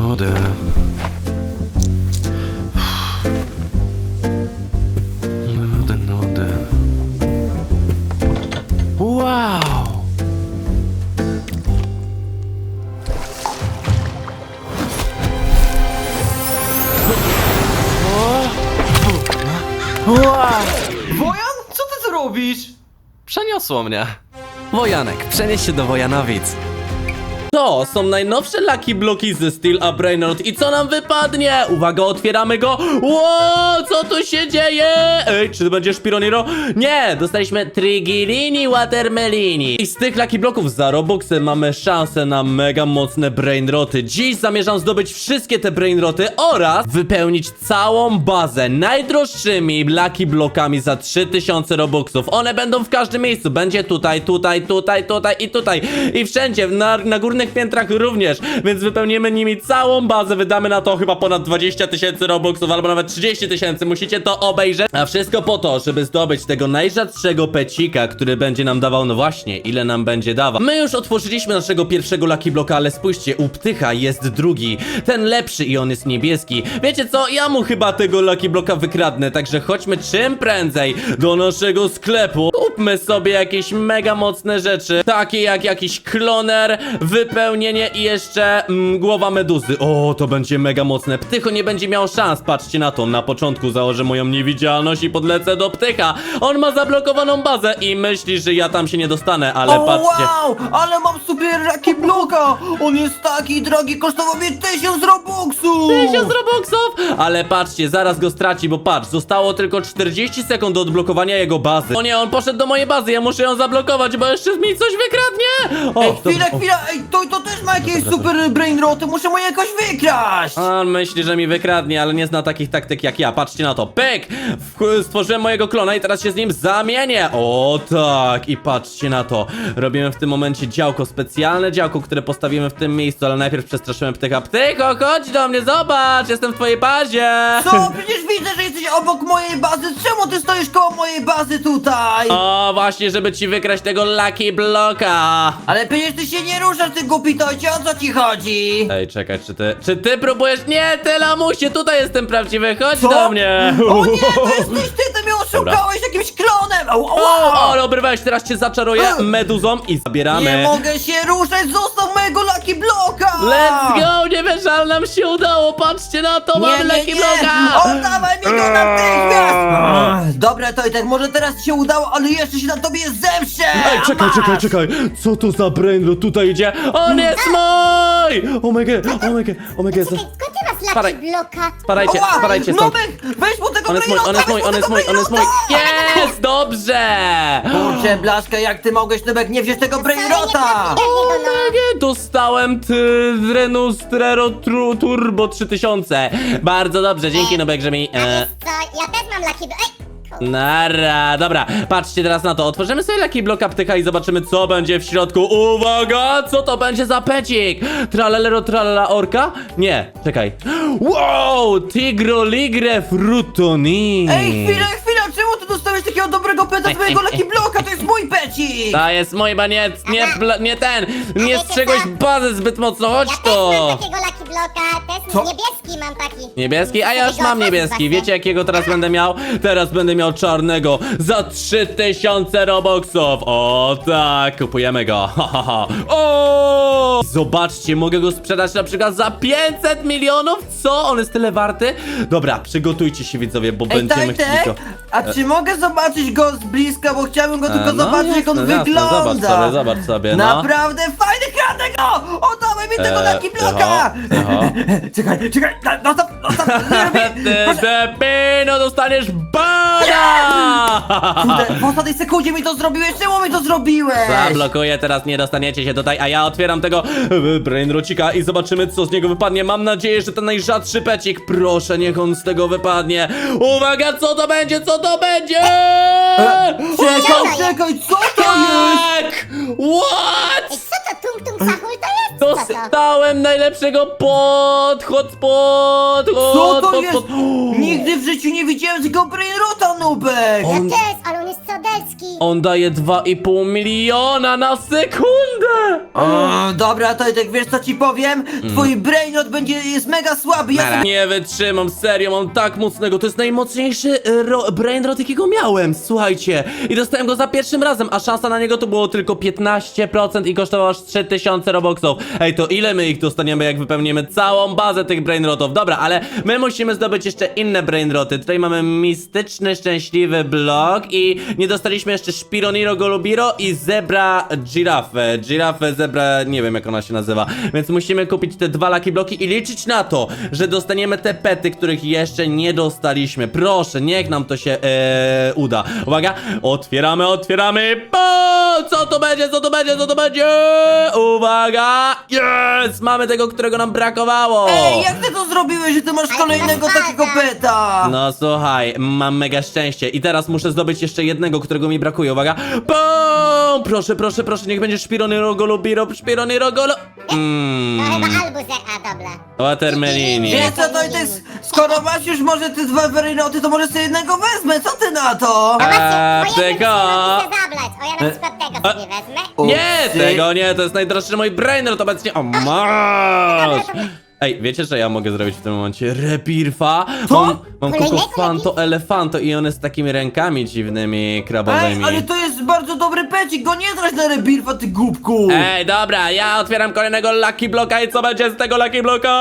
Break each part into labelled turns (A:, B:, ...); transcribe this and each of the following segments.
A: Nudy. Nudy. Wow!
B: Wojan, co ty tu robisz?
A: Przeniosło mnie. Wojanek, przenieś się do Wojanowic. To są najnowsze Lucky Bloki ze Steel a Brainrot i co nam wypadnie? Uwaga, otwieramy go. Ło, co tu się dzieje? Ej, czy to będzie Szpironiro? Nie, dostaliśmy Trigilini Watermelini. I z tych Lucky Bloków za Robuxy mamy szansę na mega mocne Brainroty. Dziś zamierzam zdobyć wszystkie te Brainroty oraz wypełnić całą bazę najdroższymi Lucky Blokami za 3000 Robuxów. One będą w każdym miejscu. Będzie tutaj i tutaj. I wszędzie, na górnych piętrach również, więc wypełnimy nimi całą bazę, wydamy na to chyba ponad 20 000 Robuxów, albo nawet 30 000, musicie to obejrzeć, a wszystko po to, żeby zdobyć tego najrzadszego pecika, który będzie nam dawał, no właśnie, ile nam będzie dawał. My już otworzyliśmy naszego pierwszego Lucky Bloka, ale spójrzcie, u Ptycha jest drugi, ten lepszy i on jest niebieski. Wiecie co, ja mu chyba tego Lucky Bloka wykradnę, także chodźmy czym prędzej do naszego sklepu, kupmy sobie jakieś mega mocne rzeczy, takie jak jakiś kloner, wypełnienie i jeszcze głowa meduzy. O, to będzie mega mocne. Ptycho nie będzie miał szans, patrzcie na to. Na początku założę moją niewidzialność i podlecę do Ptycha. On ma zablokowaną bazę i myśli, że ja tam się nie dostanę, ale patrzcie.
B: Wow, ale mam super Lucky Bloka. On jest taki drogi, kosztował mnie 1000 Robuxów.
A: 1000 Robuxów! Ale patrzcie, zaraz go straci, bo patrz, zostało tylko 40 sekund do odblokowania jego bazy. O nie, on poszedł do mojej bazy, ja muszę ją zablokować, bo jeszcze mi coś wykradnie. O,
B: Ej, chwila, ej, to też ma jakieś super brainroty, muszę mu jakoś wykraść.
A: On myśli, że mi wykradnie, ale nie zna takich taktyk jak ja. Patrzcie na to. Pyk! Stworzyłem mojego klona i teraz się z nim zamienię. O tak! I patrzcie na to. Robimy w tym momencie działko, specjalne działko, które postawimy w tym miejscu, ale najpierw przestraszyłem Ptycha. Ptycho, chodź do mnie, zobacz! Jestem w twojej bazie!
B: Co? Przecież widzę, że jesteś obok mojej bazy. Czemu ty stoisz koło mojej bazy tutaj?
A: O, właśnie, żeby ci wykraść tego Lucky Bloka!
B: Ale przecież ty się nie ruszasz, ty głupi tojcie, o co ci chodzi?
A: Ej, czekaj, czy ty próbujesz? Nie, ty lamusie, tutaj jestem prawdziwy, chodź do mnie!
B: O nie, to jesteś ty mnie oszukałeś jakimś klonem!
A: O, obrywałeś, teraz cię zaczaruję meduzą i zabieramy.
B: Nie mogę się ruszać, zostaw mojego Lucky Bloka!
A: Let's go, nie wiesz, ale nam się udało, patrzcie na to, mamy Lucky Bloka!
B: Oddawaj mi go natychmiast! Dobra, Tojtek, może teraz ci się udało, ale jeszcze się na tobie zemszczę!
A: Ej, czekaj, co to za brainrot tutaj idzie? On jest mój! Oh my god,
C: Czekaj, skąd ty masz
A: Spadaj.
C: Lucky Bloka?
A: Spadajcie stąd.
B: Nubek, weź mu tego
A: On jest mój, on jest mój. Jest, dobrze!
B: Kurczę, Blaszka, jak ty mogłeś, Nubek, nie wziąć tego brainrota?
A: Nie, dostałem Renustrero Turbo 3000. Bardzo dobrze, dzięki Nubek, że mi...
C: Co? Ja też mam Lucky Bloka.
A: Nara, dobra, patrzcie teraz na to. Otworzymy sobie Lucky Bloka Ptycha i zobaczymy, co będzie w środku. Uwaga, co to będzie za pecik? Tralalero, tralala orka? Nie, czekaj. Wow, Tigro Ligre Frutoni.
B: Ej, chwila, czemu ty dostałeś takiego dobrego peta z mojego Lucky Bloka? To jest mój pecik!
A: To jest mój baniec, nie ten. Nie strzegłeś bazy zbyt mocno, chodź
C: Ja też
A: to.
C: mam takiego Lucky Bloka, też
B: Co?
C: niebieski mam taki.
A: Niebieski? A ja już mam niebieski. Wiecie jakiego teraz będę miał? Teraz będę miał czarnego za 3000 Robuxów. O tak, kupujemy go. Ha, ha, ha. O! Zobaczcie, mogę go sprzedać na przykład za 500 milionów. Co? On jest tyle warty? Dobra, przygotujcie się widzowie, bo
B: Ej,
A: będziemy
B: Tojtek,
A: chcieli go...
B: a czy mogę zobaczyć go z bliska, bo chciałbym go tylko zobaczyć, jak on
A: jasne,
B: wygląda.
A: Zobacz sobie, no.
B: Naprawdę fajny kratek, no! Oddawaj mi tego Lucky Bloka! Czekaj, zostaw,
A: Depino, dostaniesz bana!
B: Kurde, w ostatniej sekundzie mi to zrobiłeś, czemu mi to zrobiłeś?
A: Zablokuję, teraz nie dostaniecie się tutaj, a ja otwieram tego brainrocika i zobaczymy, co z niego wypadnie. Mam nadzieję, że ten najrzadszy pecik, proszę, niech on z tego wypadnie. Uwaga, co to będzie, co to będzie?
B: Czekaj, co to jest?
A: Tak! What?
C: Ej, co to tum tum sahul to jest? Co to?
A: Dostałem najlepszego hotspot.
B: Co to jest? Nigdy w życiu nie widziałem tego Brainrota, Nubek!
C: Ja też, ale on jest codelski.
A: On daje 2,5 miliona na sekundę!
B: Dobra, Tojtek, wiesz co ci powiem? Twój Brainrot jest mega słaby, ja sobie...
A: Nie wytrzymam, serio, mam tak mocnego. To jest najmocniejszy brainrot, jakiego miałem, słuchajcie. I dostałem go za pierwszym razem, a szansa na niego to było tylko 15% i kosztował aż 3000 robuxów. Ej, to ile my ich dostaniemy, jak wypełnimy całą bazę tych brainrotów? Dobra, ale my musimy zdobyć jeszcze inne brainroty. Tutaj mamy mistyczny, szczęśliwy blok i nie dostaliśmy jeszcze Spironiro Golubiro i Zebra Girafę. Girafę, Zebra, nie wiem jak ona się nazywa. Więc musimy kupić te 2 Lucky Bloki i liczyć na to, że dostaniemy te pety, których jeszcze nie dostaliśmy. Proszę, niech nam to się uda. Uwaga, otwieramy, otwieramy. Co to będzie, co to będzie, co to będzie? Uwaga, jest! Mamy tego, którego nam brakowało.
B: Ej, jak ty to zrobiłeś, że ty masz kolejnego takiego peta?
A: No słuchaj, mam mega szczęście i teraz muszę zdobyć jeszcze jednego, którego mi brakuje, uwaga. Pum! Proszę, proszę, proszę, niech będzie Spironiro Golubiro, Spironiro Golo...
C: To chyba Albuzer, a dobra.
A: Watermelini.
B: Wiesz co, Tojtek, skoro masz już może te 2 Brainroty, to może sobie jednego wezmę, co ty na to?
A: Tego.
C: Chcę zablać. O, ja na przykład tego sobie wezmę.
A: Nie,
B: Upsy.
A: tego nie, to jest najdroższy mój brainrot obecnie. O, masz! Ej, wiecie, że ja mogę zrobić w tym momencie rebirfa? Mam
C: Kolejnego
A: Kokofanto Elefanto i on jest z takimi rękami dziwnymi, krabowymi.
B: Ej, ale to jest bardzo dobry pecik, go nie trać na rebirfa, ty głupku!
A: Ej, dobra, ja otwieram kolejnego Lucky Bloka i co będzie z tego Lucky Bloka?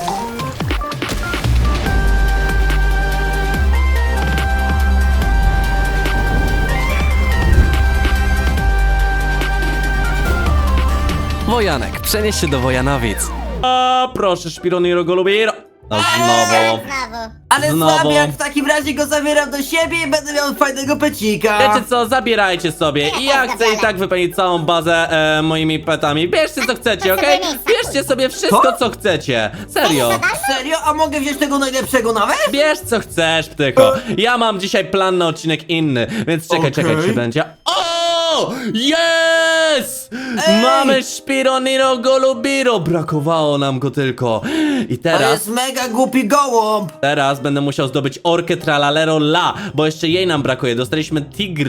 A: Wojanek, przenieś się do Wojanowic. A, proszę, Spironiro Golubiro. No znowu.
C: Znowu.
B: Ale
A: Znowu.
B: Słabiak, w takim razie go zabieram do siebie i będę miał fajnego pecika!
A: Wiecie co, zabierajcie sobie i ja chcę i tak wypełnić całą bazę moimi petami. Bierzcie co chcecie, okej? Bierzcie sobie wszystko co chcecie. Serio.
B: Serio? A mogę wziąć tego najlepszego nawet?
A: Bierz co chcesz, ptyko. Ja mam dzisiaj plan na odcinek inny, więc czekaj, czekaj,
B: Okej.
A: czy będzie... O! Yes!
B: Ej!
A: Mamy Spironiro Golubiro. Brakowało nam go tylko. I
B: To
A: teraz...
B: jest mega głupi gołąb!
A: Teraz będę musiał zdobyć orkę Tralalero La, bo jeszcze jej nam brakuje. Dostaliśmy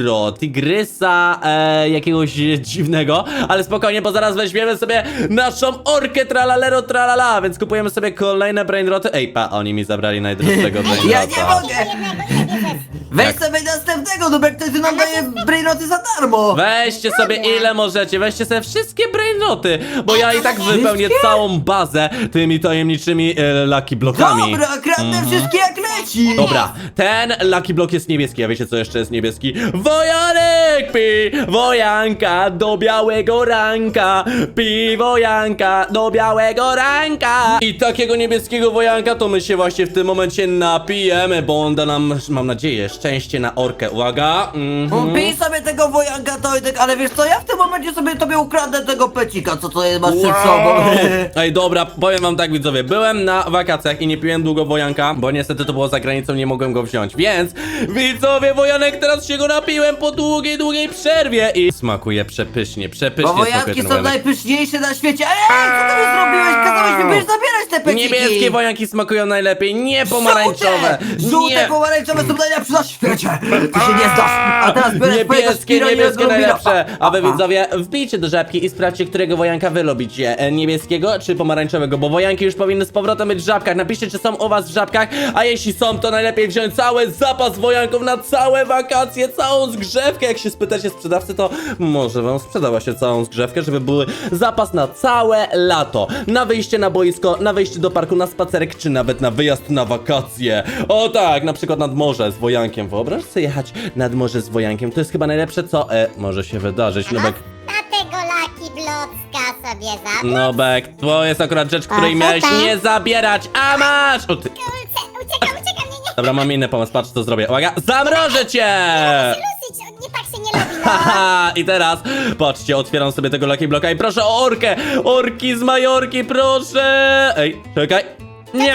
A: Tigrysa jakiegoś dziwnego, ale spokojnie, bo zaraz weźmiemy sobie naszą orkę Tralalero Tralala, więc kupujemy sobie kolejne brainroty. Ej, oni mi zabrali najdroższego brainrota.
B: Ja nie mogę!
C: Jednego nie bierzesz.
B: Weź sobie następnego, Nubek, to ty nam daje brainroty za darmo!
A: Weźcie sobie ile możecie, weźcie sobie wszystkie brainroty, bo ja i tak wypełnię całą bazę tymi tajemniczymi Lucky Blokami.
B: Dobra, kradnę wszystkie jak leci!
A: Dobra, ten Lucky Block jest niebieski, a wiecie co jeszcze jest niebieski? Wojanek pi, wojanka do białego ranka, pi wojanka do białego ranka. I takiego niebieskiego wojanka to my się właśnie w tym momencie napijemy, bo on da nam, mam nadzieję, szczęście na orkę. Uwaga.
B: Pij sobie tego wojanka, Tojtek, ale wiesz co, ja w tym momencie sobie tobie ukradnę tego pecika, co to jest, masz przed sobą.
A: Ej, dobra, powiem wam tak, widzowie, byłem na wakacjach i nie piłem długo wojanka, bo niestety to było za granicą, nie mogłem go wziąć, więc widzowie, wojanek, teraz się go napiłem po długiej, długiej przerwie i smakuje przepysznie,
B: Bo
A: przepysznie smakuje
B: wojanki
A: ten
B: są
A: wojanek.
B: najpyszniejsze na świecie. Ej, co ty mi zrobiłeś? Kazałeś mi będziesz zabierać te peciki!
A: Niebieskie wojanki smakują najlepiej, nie pomarańczowe.
B: Żółte pomarańczowe są najlepsze na świecie! Ty się nie zdasz! A teraz bierzesz
A: Niebieskie, niebieskie najlepsze. A wy widzowie, wbijcie do żabki i sprawdźcie, którego wojanka wy lubicie. Niebieskiego czy pomarańczowego, bo wojanki już powinny z powrotem być w żabkach. Napiszcie, czy są u was w żabkach, a jeśli są, to najlepiej wziąć cały zapas wojanków na całe wakacje, całą zgrzewkę. Jak się spytacie sprzedawcy, to może wam sprzeda właśnie całą zgrzewkę, żeby były zapas na całe lato. Na wyjście na boisko, na wyjście do parku, na spacerek, czy nawet na wyjazd na wakacje. O tak, na przykład nad morze z wojankiem. Wyobraź sobie jechać nad morze z wojankiem. To jest chyba najlepsze, co może się wydarzyć. Nubek,
C: Na tego Lucky Blocka sobie zablać.
A: Nubek, to jest akurat rzecz, której miałeś nie zabierać, a masz! O ty.
C: Uciekam, nie.
A: Dobra, mam inny pomysł, patrz co zrobię. Uwaga, zamrożę cię!
C: Lusyć, nie tak się nie lubi, no.
A: Haha, i teraz, patrzcie, otwieram sobie tego Lucky Blocka i proszę o orkę! Orki z Majorki, proszę! Ej, czekaj. Nie!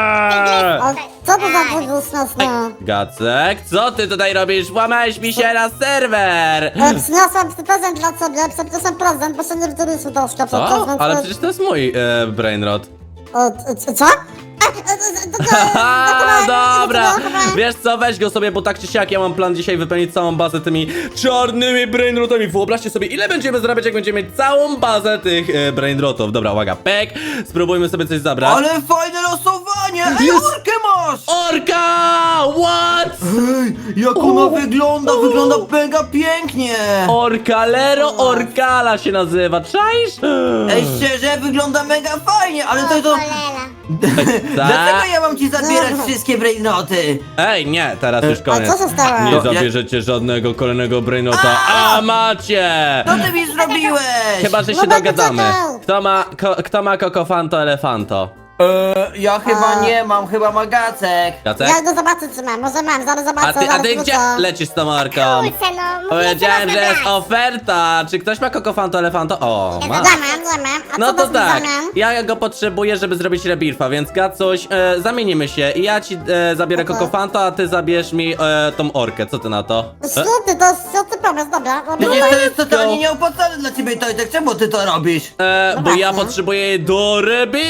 D: A co to za podróżność, no?
A: Gacek, co ty tutaj robisz? Włamałeś mi się na serwer!
D: Przyniosłam prezent dla ciebie, przepraszam prezent, bo się nie wdrożył troszkę
A: Co?
D: podczas, więc...
A: Ale przecież to jest mój brainrot.
D: Co?
A: Haha, dobra. Wiesz co, weź go sobie, bo tak czy siak ja mam plan dzisiaj wypełnić całą bazę tymi czarnymi brainrotami. Wyobraźcie sobie, ile będziemy zarabiać, jak będziemy mieć całą bazę tych brainrotów. Dobra, uwaga, pek. Spróbujmy sobie coś zabrać.
B: Ale fajne losowanie! Ej,
A: Jest.
B: orkę masz!
A: Orka! What?
B: Ej, jak ona wygląda! Wygląda mega pięknie!
A: Orkalero Orkala się nazywa, czaisz?
B: Ej, szczerze, wygląda mega fajnie, ale to...
C: Kolela.
B: Dlaczego ja mam ci zabierać wszystkie brainroty?
A: Ej, nie, teraz już
D: A
A: koniec.
D: co się stało?
A: Nie
B: No,
A: zabierzecie żadnego kolejnego brainota. A macie!
B: Co ty mi zrobiłeś?
A: Chyba, że się
D: No będę
A: dogadamy.
D: czekał.
A: Kto ma kokofanto elefanto?
B: Ja chyba nie mam, chyba ma Gacek.
A: Jacek?
D: Ja idę zobaczyć, czy mam. Może mam, zaraz zobaczę,
A: A ty
D: zaraz
A: gdzie
D: wrócę.
A: lecisz z tą orką?
C: Kurczę, no, mówię,
A: Powiedziałem,
C: co
A: że
C: można
A: jest
C: brać.
A: oferta. Czy ktoś ma kokofanto elefanto? O, ma.
D: Ja mam. A
A: No
D: co
A: to
D: dasz mi w
A: tak,
D: zamian?
A: ja go potrzebuję, żeby zrobić rebirfa, więc Gacuś, zamienimy się i ja ci zabiorę
D: Okej.
A: kokofanto, a ty zabierz mi tą orkę, co ty na to?
D: Świetny, to jest świetny pomysł, dobra.
B: Przecież to jest
A: go.
B: totalnie nieopłacalne dla ciebie, Tojtek. Czemu ty to robisz?
A: Bo ja
D: właśnie.
A: potrzebuję jej do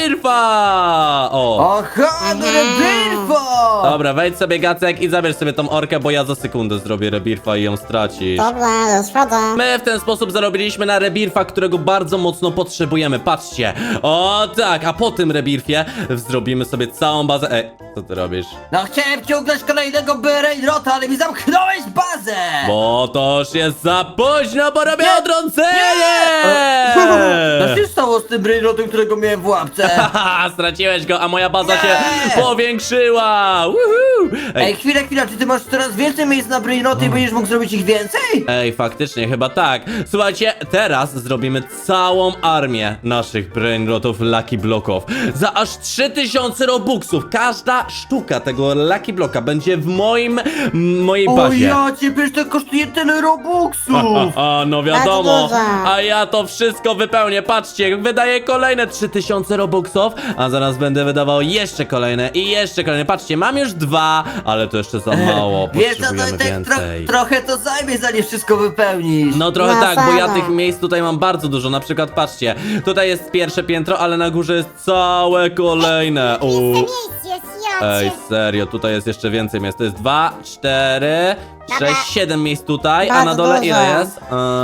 A: rebirfa! O!
B: Aha, no rebirfo!
A: Dobra, wejdź sobie Gacek i zabierz sobie tą orkę, bo ja za sekundę zrobię rebirfa i ją stracisz.
D: Dobra, już wchodzę.
A: My w ten sposób zarobiliśmy na rebirfa, którego bardzo mocno potrzebujemy. Patrzcie. O tak, a po tym rebirfie zrobimy sobie całą bazę. Ej, co ty robisz?
B: No chciałem ciągnąć kolejnego brainrota, ale mi zamknąłeś bazę!
A: Bo to już jest za późno, bo robię
B: Nie,
A: odrącenie!
B: Co się stało z tym brainrotem, którego miałem w łapce?
A: Haha, straciłeś go, a moja baza się
B: Nie!
A: powiększyła! Woohoo!
B: Ej, chwila, czy ty masz coraz więcej miejsc na brainroty i będziesz mógł zrobić ich więcej?
A: Ej, faktycznie, chyba tak. Słuchajcie, teraz zrobimy całą armię naszych brainrotów Lucky Blocków. Za aż 3000 robuxów. Każda sztuka tego Lucky Blocka będzie w mojej
B: O
A: bazie.
B: ja cię, przecież to kosztuje tyle robuxów!
A: No wiadomo,
D: dużo.
A: a ja to wszystko wypełnię, patrzcie, wydaję kolejne 3000 robuxów, a zaraz będę wydawał jeszcze kolejne i jeszcze kolejne, patrzcie, mam już 2, ale to jeszcze za mało,
B: Wiesz co,
A: potrzebujemy
B: Tojtek,
A: więcej.
B: trochę to zajmie, zanim wszystko wypełnisz.
A: No trochę
D: No,
A: tak, bo ja
D: sama.
A: tych miejsc tutaj mam bardzo dużo, na przykład patrzcie, tutaj jest pierwsze piętro, ale na górze jest całe kolejne.
C: Jeszcze miejsc jest,
A: Ej,
C: jocie.
A: serio, tutaj jest jeszcze więcej miejsc, to jest 2, 4,
C: Dobra.
A: 6, 7 miejsc tutaj, a
D: Bardzo
A: na dole
D: dużo.
A: ile jest?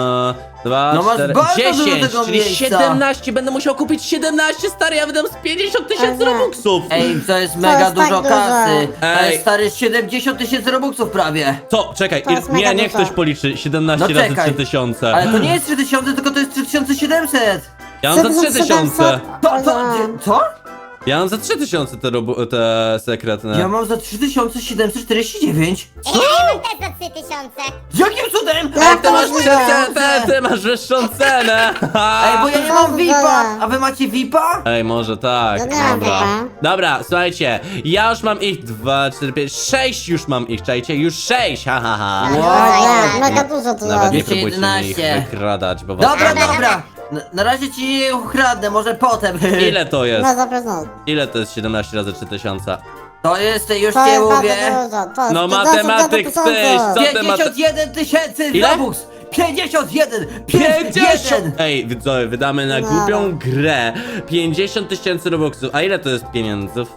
A: 2,
B: No masz
A: 4,
B: bardzo dużo
A: 10,
B: tego
A: czyli
B: miejsca.
A: 17, będę musiał kupić 17, stary, ja wydam z 50 tysięcy
D: Aha.
A: robuxów.
B: Ej, to jest mega
D: jest tak
B: dużo
D: dużo.
B: kasy. To
A: Ej.
B: jest stary 70 tysięcy robuxów prawie.
A: Co? Czekaj,
D: To jest mega
A: niech
D: dużo.
A: ktoś policzy 17
B: No
A: razy
B: czekaj.
A: 3000.
B: Ale to nie jest 3000, tylko to jest 3700.
A: Ja mam za 3000.
B: Co?
A: Ja mam za 3000 te sekretne.
B: Ja mam za 3749.
C: Ej, ja mam też za 3000.
B: Jakim cudem?
D: Jak
A: Ty masz,
D: możliwe?
A: ty masz wyższą cenę.
B: Ej, bo ja nie mam VIPa. A wy macie VIPa?
A: Ej, może tak,
D: Ja nie mam
A: dobra.
D: chyba.
A: Dobra, słuchajcie, ja już mam ich 2, 4, 5, 6 już mam ich, czajcie, już 6, ha, ha, ha.
D: Ja, mega dużo tu
A: Nawet nie
D: jest.
A: próbujcie mi ich
B: 11.
A: wykradać, bo was
B: Dobra,
A: nie ma.
B: dobra. Na razie ci nie ukradnę, może potem.
A: Ile to jest?
D: No zapewne.
A: Ile to jest 17 razy 3000?
B: To jest, już
D: To
B: cię
D: jest bardzo
B: mówię.
D: dużo. To jest
A: No
D: 50
A: matematyk
D: tysięcy.
A: tyś, co ty
B: 51 tysięcy
A: Ile?
B: robux. 51!
A: 50! Ej, widzowie, wydamy na
D: No.
A: głupią grę 50 tysięcy robuxów. A ile to jest pieniędzów?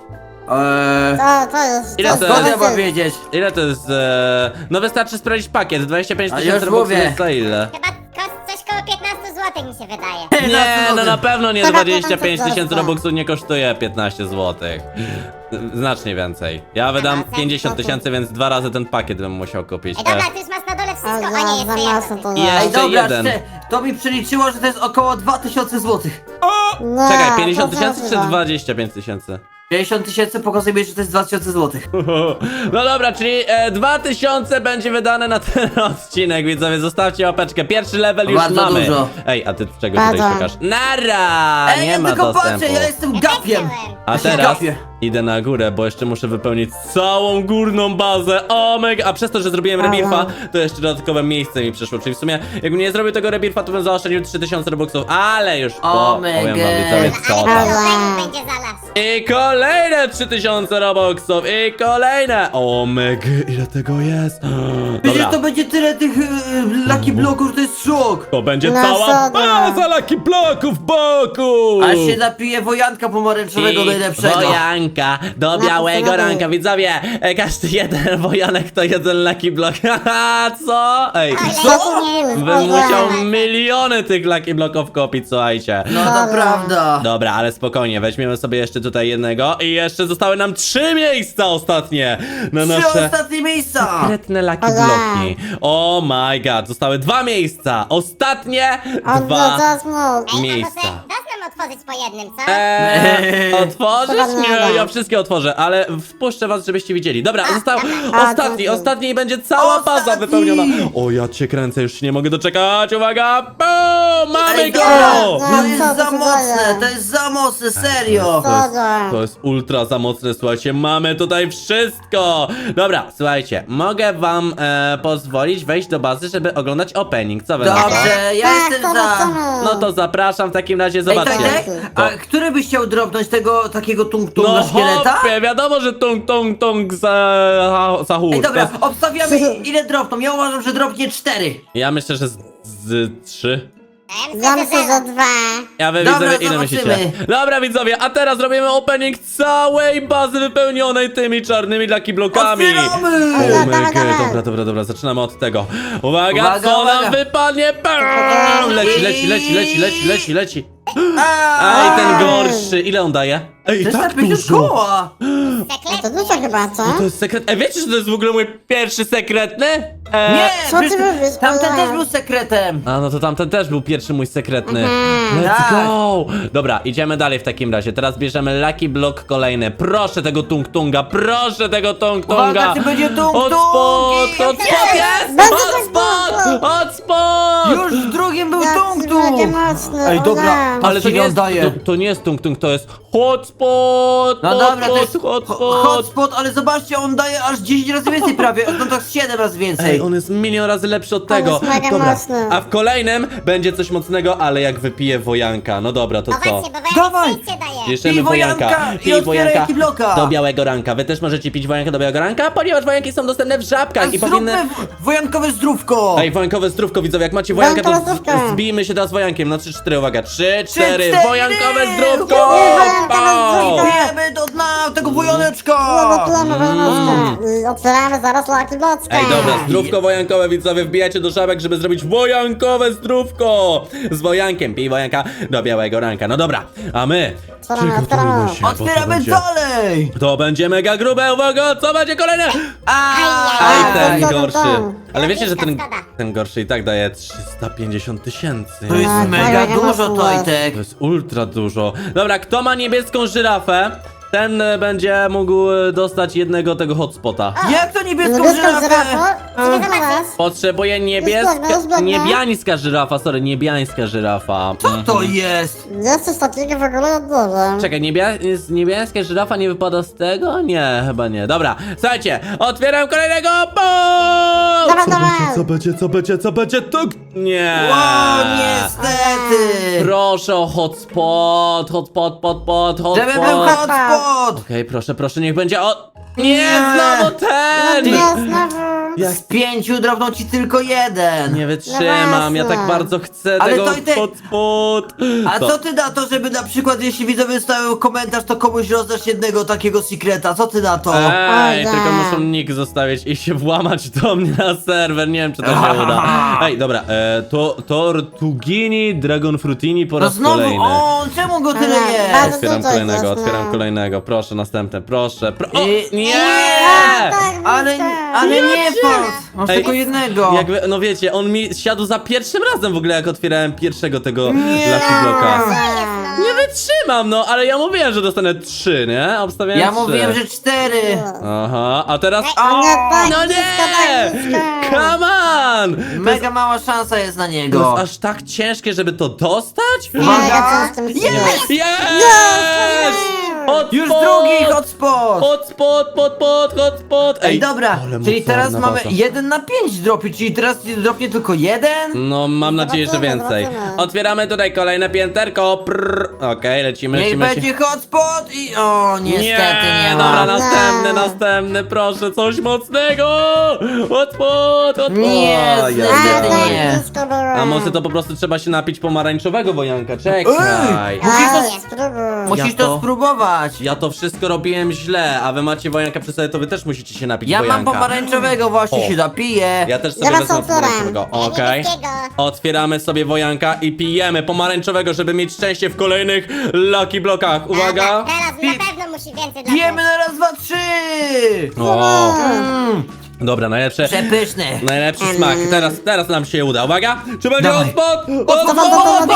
D: To jest...
A: Ile to
B: Skąd
A: jest?
B: ja mam wiedzieć?
A: Ile to jest? No wystarczy sprawdzić pakiet. 25
B: A
A: tysięcy
B: już
A: robuxów
B: mówię.
A: jest za ile?
C: Chyba coś koło 15 zł mi się wydaje.
A: Nie, no na pewno nie
D: Chyba
A: 25 tysięcy
D: 15
A: robuxów nie kosztuje 15 zł. Znacznie więcej. Ja wydam
C: Aha,
A: 50 tysięcy, więc 2 razy ten pakiet bym musiał kupić.
C: Ej, dobra, ty już masz na dole wszystko.
D: O,
C: O nie,
D: za
C: jeszcze
D: mocno
C: jedno.
D: to
A: Ej,
D: jest.
B: Ej,
A: jeszcze
B: dobra,
A: jeden.
B: to mi przeliczyło, że to jest około 2000 złotych.
D: No,
A: Czekaj, 50
D: to
A: tysięcy czy
D: dużo.
A: 25 tysięcy?
B: 50 tysięcy pokazuje mi, że to jest 2000 złotych.
A: No dobra, czyli 2000 będzie wydane na ten odcinek, widzowie, zostawcie łapeczkę. Pierwszy level już
B: Bardzo
A: mamy.
B: dużo.
A: Ej, a ty czego
D: Bardzo.
A: tutaj szukasz? Nara!
B: Ej,
A: Nie
B: ja
A: ma
B: tylko
A: dostępu.
B: patrzę, ja jestem
C: Ja
B: gapiem.
C: też byłem.
A: A
B: Ja się
A: teraz
B: gapię.
A: idę na górę, bo jeszcze muszę wypełnić całą górną bazę. O mega, a przez to, że zrobiłem rebirfa, to jeszcze dodatkowe miejsce mi przyszło. Czyli w sumie, jakbym nie zrobił tego rebirfa, to bym zaoszczędził 3000 robuxów, ale już
B: O
A: powiem wam,
B: mega.
A: widzowie, co
C: Ale
A: tam.
C: to będzie zalas.
A: I kolejne 3000 robuxów. I kolejne. O mega, ile tego jest?
B: Przecież
A: Dobra.
B: to będzie tyle tych Lucky Bloków, to jest szok.
A: To będzie
D: No
A: cała
D: co, no.
A: baza Lucky Bloków boku!
B: Aż się napije wojanka pomarańczowego najlepszego.
A: Wojanka do
D: No,
A: białego
D: co
A: ranka, widzowie! Każdy jeden wojanek to jeden Lucky Block. Haha, co? Ej,
D: Co nie jest?
A: bym musiał miliony tych Lucky Blocków kupić, słuchajcie.
B: No to prawda.
A: Dobra, ale spokojnie, weźmiemy sobie jeszcze tutaj jednego i jeszcze zostały nam 3 miejsca ostatnie na
B: Trzy
A: nasze
B: ostatnie miejsca.
A: sekretne Lucky
D: Ola.
A: Bloki. Oh my god, zostały 2 miejsca. Ostatnie
D: On
A: 2
D: to smut.
C: Ej,
A: miejsca.
C: a może dasz nam otworzyć po jednym, co?
A: Otworzysz? Nie, ja wszystkie otworzę, ale wpuszczę was, żebyście widzieli. Dobra, został
D: dziękuję.
A: ostatni i będzie cała baza
B: Ostatni.
A: wypełniona. O, ja cię kręcę, już się nie mogę doczekać. Uwaga, boom, mamy
B: Ej,
A: go!
B: dobra,
D: No,
B: to jest
D: co
B: za
D: to
B: mocne,
D: daje?
B: to jest za mocne, serio.
A: To jest ultra za mocne, słuchajcie, mamy tutaj wszystko. Dobra, słuchajcie, mogę wam pozwolić wejść do bazy, żeby oglądać opening, co wy na to?
B: Dobrze, ja
D: Tak,
B: jestem
D: to
B: za.
D: chcemy.
A: No to zapraszam w takim razie,
B: Ej,
A: zobaczcie.
B: Tojtek, a który byś chciał dropnąć tego takiego tung-tunga
A: No
B: szkieleta?
A: hopie, wiadomo, że tung za
B: Ej,
A: hur.
B: dobra, obstawiamy ile dropną. Ja uważam, że dropnie 4.
A: Ja myślę, że z 3.
D: Ja myślę, że 2.
A: Ja wy
B: Dobra,
A: widzowie, ile
B: zobaczymy.
A: myślicie? Dobra widzowie, a teraz robimy opening całej bazy wypełnionej tymi czarnymi Lucky Blokami.
B: Otwieramy!
A: Oh my
D: Dawaj, dawaj.
A: god, dobra, zaczynamy od tego. Uwaga,
B: Uwaga,
A: co
B: uwaga.
A: nam wypadnie? Bam! Leci.
B: A,
A: Ej, ten gorszy, ile on daje? Ej, tak
B: 350
A: dużo.
B: koła!
D: No to dużo chyba, co?
A: To jest sekret. Ej, wiecie, że to jest w ogóle mój pierwszy sekretny?
B: Nie,
D: Co ty
B: przecież
D: mówisz?
B: tamten
D: Ola.
B: też był sekretem.
A: A no to tamten też był pierwszy mój sekretny. Let's
B: Tak.
A: go! Dobra, idziemy dalej w takim razie. Teraz bierzemy Lucky Block kolejny. Proszę tego tung-tunga, proszę tego tung-tunga!
B: Uwaga, czy będzie tung-tung?
A: Hotspot jest!
D: Będzie
A: Hotspot! Hotspot!
B: Już w drugim był
D: Jak
B: tung-tung.
D: będzie mocny,
B: Ej, dobra,
D: Ola.
A: Ale to
B: patrzcie,
A: nie
B: ile on
A: jest,
B: daje.
A: to nie jest tung-tung, to jest hotspot!
B: No dobra, to jest
A: hotspot!
B: hotspot, ale zobaczcie, on daje aż 10 razy więcej prawie, no tak 7 razy więcej.
A: Ej, on jest milion razy lepszy od
D: On
A: tego.
D: jest mega
A: Dobra,
D: mocny.
A: a w kolejnym będzie coś mocnego, ale jak wypije wojanka. No dobra, to
C: O
A: co?
C: właśnie, bo
B: Dawaj.
C: wojanek szczęście daje.
A: Bierzemy
B: Pij
A: wojanka.
B: wojanka i
A: Pij
B: otwieraj
A: wojanka
B: Lucky Blocka.
A: do białego ranka. Wy też możecie pić wojanka do białego ranka, ponieważ wojanki są dostępne w żabkach i powinny...
B: Zróbmy wojankowe zdrówko.
A: Ej, wojankowe zdrówko, widzowie, jak macie wojanka, to
D: Wojankowe zdrówko.
A: zbijmy się teraz wojankiem. Na 3-4, uwaga, 3-4,
B: 3-4.
A: wojankowe zdrówko!
D: Wojankowe
A: Pau!
D: zdrówko.
B: Pijemy do dna tego wojaneczka.
D: Otwieramy zaraz Lucky Blocka.
A: Ej, dobra, zdrówko wojankowe, widzowie, wbijacie do żabek, żeby zrobić wojankowe zdrówko! Z wojankiem, pij wojanka do białego ranka. No dobra, a my przygotujmy się, bo to
B: Otwieramy
A: będzie...
B: dalej.
A: To będzie mega grube, uwaga, co będzie kolejne?
B: A,
A: Aj, ten
D: to, to,
A: gorszy.
D: to.
A: Ale wiecie, że ten,
C: Szkoda.
A: ten gorszy i tak daje 350 000.
B: To jest
D: Tak,
B: mega
D: mega
B: dużo,
D: mocno.
B: Tojtek.
A: To jest ultra dużo. Dobra, kto ma niebieską żyrafę, ten będzie mógł dostać jednego tego hotspota.
B: Jak to niebieską
D: Niebieską
B: żyrafę?
D: żyrafę?
C: Idę zobaczyć.
A: Potrzebuję
D: Zbiegnę.
A: niebiańska żyrafa, sorry, niebiańska żyrafa.
B: Co to jest?
D: Jest coś takiego w ogóle od dużo.
A: Czekaj, niebiańska żyrafa nie wypada z tego? Nie, chyba nie. Dobra, słuchajcie, otwieram kolejnego. Bo!
D: Dawaj.
A: Co będzie? To... Nie.
B: Wow, niestety.
A: Proszę o hotspot.
B: Żeby był hotspot.
A: Okej, proszę, niech będzie o... Nie, znowu
D: No
A: ten!
D: nie, znowu.
B: Z 5 drobną ci tylko jeden.
A: Nie wytrzymam, ja tak
D: właśnie.
A: bardzo chcę
B: Ale
A: tego
B: to i ty-
A: hotspot.
B: A co ty na to, żeby na przykład jeśli widzowie wystawią komentarz, to komuś rozdasz jednego takiego sekreta? Co ty na to?
A: Ej,
D: Oj,
A: tylko
D: nie.
A: muszą nick zostawić i się włamać do mnie na serwer, nie wiem czy to się uda. Ej, dobra, to Tortugini Dragon Frutini po
B: No
A: raz
B: znowu,
A: kolejny.
B: o, czemu go tyle
D: Ale
B: jest?
D: bardzo
A: Otwieram
D: dużo
A: kolejnego,
D: jest,
A: otwieram
D: no.
A: kolejnego, proszę, następne, proszę. O,
B: I-
A: nie!
D: Tak,
B: Ale nie patrz, masz
A: Ej,
B: tylko jednego.
A: Jakby, no wiecie, on mi siadł za pierwszym razem w ogóle, jak otwierałem pierwszego tego
B: Nie.
A: Lucky Blocka.
C: Co jest, no?
A: Nie wytrzymam, no, ale ja mówiłem, że dostanę 3, nie? Obstawiałem
B: Ja
A: 3.
B: mówiłem, że 4.
A: Aha, a teraz...
D: O nie, tak
A: No
D: blisko, tak
A: nie!
D: blisko.
A: Come on!
B: Mega mała szansa jest na
A: To
B: niego.
A: jest aż tak ciężkie, żeby to dostać?
B: Uwaga.
D: Mega ciężko mi się
B: Jest!
A: Yes!
B: Już drugi hotspot. hotspot!
A: Hotspot.
B: Ej, dobra,
A: ale
B: czyli teraz
A: mocarna
B: mamy
A: baza.
B: 1 na 5 dropi, czyli teraz dropnie tylko 1?
A: No, mam nadzieję, że
D: Zobaczymy,
A: więcej.
D: zobaczymy.
A: Otwieramy tutaj kolejne pięterko. Okej, lecimy,
B: Niech
A: lecimy.
B: będzie hotspot i... O, niestety nie
A: Dobra,
B: ma.
A: następny, proszę, coś mocnego! Hotspot!
B: Nie,
A: ja
B: niestety
A: wiem.
B: nie.
A: A może to po prostu trzeba się napić pomarańczowego wojanka? Czekaj.
B: Musisz to-
D: spróbuj.
B: Musisz
A: Ja
B: to
A: to-
B: spróbować.
A: Ja to wszystko robiłem źle, a wy macie wojanka przy sobie, to wy też musicie się napić
B: Ja mam
A: wojanka.
B: pomarańczowego, właśnie
A: O.
B: się napiję.
A: Ja też sobie
D: Ja was
A: wezmę
D: otwieram.
A: pomarańczowego. Okej.
C: niebieskiego.
A: Otwieramy sobie wojanka i pijemy pomarańczowego, żeby mieć szczęście w kolejnych Lucky Blokach. Uwaga!
C: Teraz na pewno musi więcej dla
B: Pijemy na raz, dwa, trzy!
A: O,
B: Mm,
A: dobra, najlepsze.
B: przepyszny.
A: Najlepszy smak. Teraz nam się uda. Uwaga! Czy będzie
B: Dawaj.
A: hotspot?
B: Hotspot!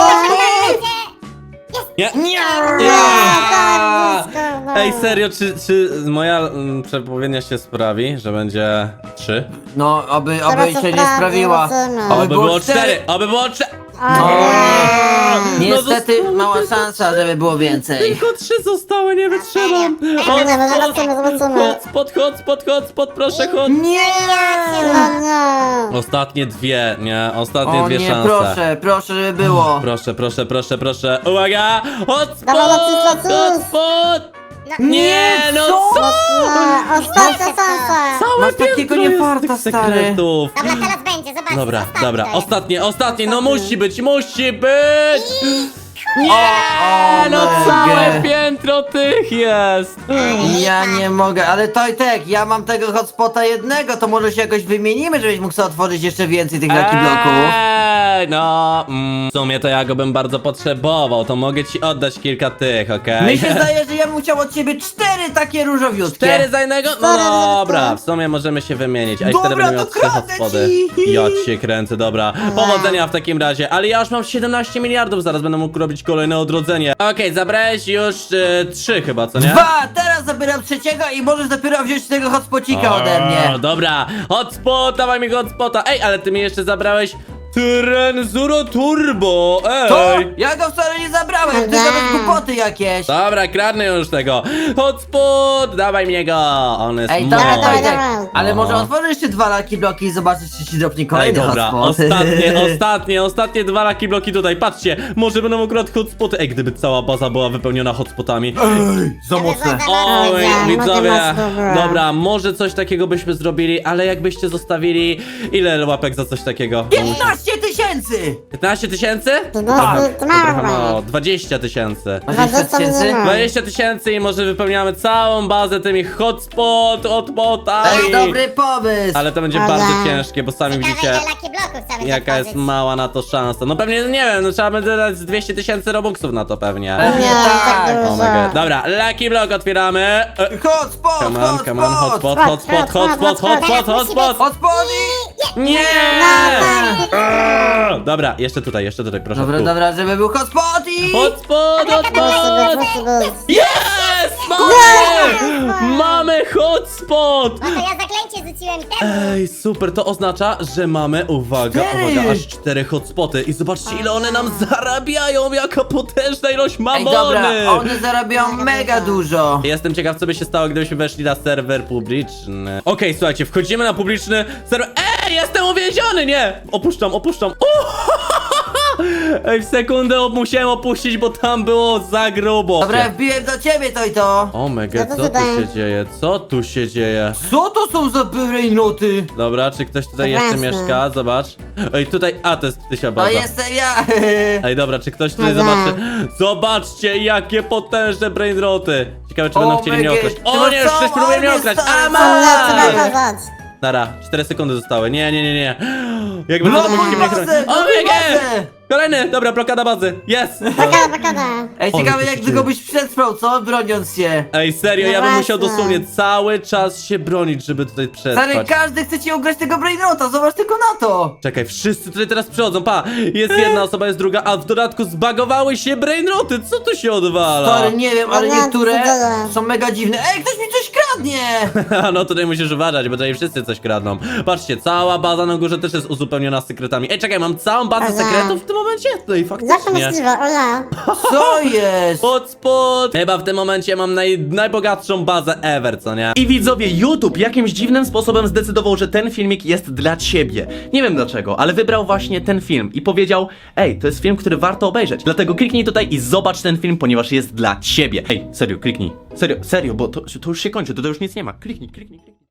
A: Nie!
B: Nie!
D: Tak, blisko, no.
A: Ej, serio, czy moja przepowiednia się sprawi, że będzie 3?
B: No, oby
D: Teraz
B: się
D: to
B: nie
D: prawda,
B: sprawiła.
D: zobaczymy.
A: Oby było 4! Oby było 4!
B: O nie.
A: No
B: Niestety
A: zostało
B: mała
A: tylko
B: szansa, żeby było więcej.
A: Tylko 3 zostały, nie wytrzymam.
D: Zobaczymy.
A: Hotspot, proszę, hot.
B: Nie!
D: No nie.
A: Ostatnie dwie, nie? Ostatnie
B: O
A: dwie
B: nie,
A: szanse.
B: proszę, żeby było.
A: Proszę. Uwaga! Hotspot!
D: Dawaj, lecisz.
A: Hotspot! Nie, no
B: co?
A: co?
D: No, ostatnia szansa.
A: Całe
B: Masz takiego
A: piętro
B: nie
A: jest
B: farta,
A: tych
B: stary.
A: sekretów.
C: Dobra, teraz będzie, zobaczcie.
A: Dobra,
C: ostatnie
A: dobra,
C: to jest.
A: ostatnie, no musi być! Nie,
B: O,
A: no
B: mega.
A: całe piętro tych jest!
B: Ja nie mogę, ale Tojtek, ja mam tego hotspota jednego, to może się jakoś wymienimy, żebyś mógł sobie otworzyć jeszcze więcej tych Lucky Bloków.
A: No, w sumie to ja go bym bardzo potrzebował, to mogę ci oddać kilka tych, okej?
B: Mi się zdaje, że ja bym chciał od ciebie 4 takie różowiutkie.
A: 4 za jednego? No
D: Cztery za
A: dobra,
D: jednego.
A: w sumie możemy się wymienić, a i
B: Dobra,
A: wtedy będę miał
B: to
A: 3
B: kradnę
A: hotspody.
B: ci.
A: Ja cię kręcę, dobra. Powodzenia w takim razie, ale ja już mam 17 miliardów, zaraz będę mógł robić kolejne odrodzenie. Okej, zabrałeś już 3 chyba, co nie?
B: 2, teraz zabieram trzeciego i możesz dopiero wziąć tego hotspocika ode mnie.
A: Dobra, hotspot, dawaj mi hotspota. Ej, ale ty mi jeszcze zabrałeś Trenzuro Turbo,
B: To?
A: ej.
B: Ja go wcale nie zabrałem, ty
D: Dobra.
B: nawet głupoty jakieś.
A: Dobra, kradnę już tego. Hotspot, dawaj mnie go. On jest
B: Ej,
A: mój.
B: dobra,
D: dawaj,
B: Tojtek,
D: dawaj.
B: ale może
A: O.
B: otworzysz jeszcze 2 Lucky Bloki i zobaczysz, czy ci dropnie
A: Ej,
B: kolejny
A: dobra,
B: hotspot.
A: ostatnie 2 Lucky Bloki tutaj, patrzcie, może będą akurat hotspoty. Ej, gdyby cała baza była wypełniona hotspotami.
B: Ej, za mocne.
A: O,
D: Dobra,
A: widzowie,
D: dobra.
A: dobra, może coś takiego byśmy zrobili, ale jakbyście zostawili, ile łapek za coś takiego?
B: 15 tysięcy!
A: 15 tysięcy?
D: To mało
A: Trochę
D: chyba.
A: mało, 20 tysięcy.
B: 20 tysięcy?
A: 20 tysięcy i może wypełniamy całą bazę tymi hotspotami.
B: Ej, dobry pomysł!
A: Ale to będzie
D: Dobra.
A: bardzo ciężkie, bo sami
C: Ciekawe,
A: widzicie,
C: ile Lucky Bloków trzeba będzie
A: jaka jest
C: otworzyć.
A: mała na to szansa. No pewnie, nie wiem, no trzeba będzie dać z 200 tysięcy robuxów na to pewnie.
B: Pewnie
D: Nie,
B: tak.
D: tak
A: Oh
D: dużo.
A: my god. Dobra, Lucky Block otwieramy.
B: Hotspot,
A: Come on, hotspot, hotspot.
B: Hotspot i...
A: Nie!
D: No,
A: Dobra, jeszcze tutaj, proszę.
B: Dobra,
A: tu.
B: dobra, żeby był hotspot i...
A: Hotspot!
D: Bus.
A: Yes! Mamy! Mamy hotspot!
C: No to ja zaklęcie rzuciłem temu.
A: Ej, super, to oznacza, że mamy, uwaga,
B: 4.
A: uwaga, aż 4 hotspoty i zobaczcie ile one nam zarabiają, jaka potężna ilość
B: Ej,
A: mamony!
B: dobra, one zarabiają mega dużo.
A: Jestem ciekaw, co by się stało, gdybyśmy weszli na serwer publiczny. Okej, słuchajcie, wchodzimy na publiczny serwer. Ej, jestem uwięziony, nie! Opuszczam. Ej, w sekundę musiałem opuścić, bo tam było za grubo.
B: Dobra, wbiłem do ciebie, to.
A: O mega,
D: No to
A: co tu
D: tutaj.
A: się dzieje? Co tu się dzieje?
B: Co to są za brainoty?
A: Dobra, czy ktoś tutaj jeszcze
D: Jasne.
A: mieszka? Zobacz. Ej, tutaj, a to jest Tysia
B: To
A: baza.
B: jestem ja.
A: Ej, dobra, czy ktoś tutaj
D: Dobra.
A: zobaczy? Zobaczcie, jakie potężne brainroty. Ciekawe, czy
B: O
A: będą chcieli mnie
B: mega.
A: okraść.
B: Ty
A: O
B: masz
A: nie, już
B: całą
A: ktoś próbuje mnie
B: armię,
A: okraść.
B: stary,
A: A,
B: całą
A: ma!
B: armię.
D: Trzeba
A: Nara, 4 sekundy zostały. Nie. Jakby to
B: Blokuj
A: musicie mnie
B: bazę,
A: chronić. O
B: blokuj
A: nie!
B: bazę.
A: Kolejny, dobra, blokada bazy. Jest!
D: Blokada.
B: Ej,
A: Ale
B: ciekawe
A: to
B: jak
A: się
B: długo
A: dzieje.
B: byś przetrwał, co? Broniąc się.
A: Ej, serio,
D: No
A: ja bym musiał
D: właśnie.
A: dosłownie cały czas się bronić, żeby tutaj
B: Stary,
A: przetrwać.
B: każdy chce ci ugrać tego brainrota, zobacz tylko na to.
A: Czekaj, wszyscy tutaj teraz przychodzą, pa! Jest jedna osoba, jest druga, a w dodatku zbagowały się brainroty, co tu się odwala?
B: Stary, nie wiem, ale
D: Dobra,
B: niektóre
D: co to?
B: są mega dziwne. Ej, ktoś mi coś kradnie! kradnie!
A: No tutaj musisz uważać, bo tutaj wszyscy coś kradną. Patrzcie, cała baza na górze też jest uzupełniona sekretami. Ej, czekaj, mam całą bazę
D: Aha.
A: sekretów w tym momencie? Tutaj
D: Jak to
A: faktycznie.
D: możliwe? O ja.
B: Co jest?
A: Hotspot! Chyba w tym momencie mam najbogatszą bazę ever, co nie? I widzowie, YouTube jakimś dziwnym sposobem zdecydował, że ten filmik jest dla ciebie. Nie wiem dlaczego, ale wybrał właśnie ten film i powiedział: ej, to jest film, który warto obejrzeć. Dlatego kliknij tutaj i zobacz ten film, ponieważ jest dla ciebie. Ej, serio, kliknij. Serio, bo to już się kończy, to już nic nie ma. Kliknij.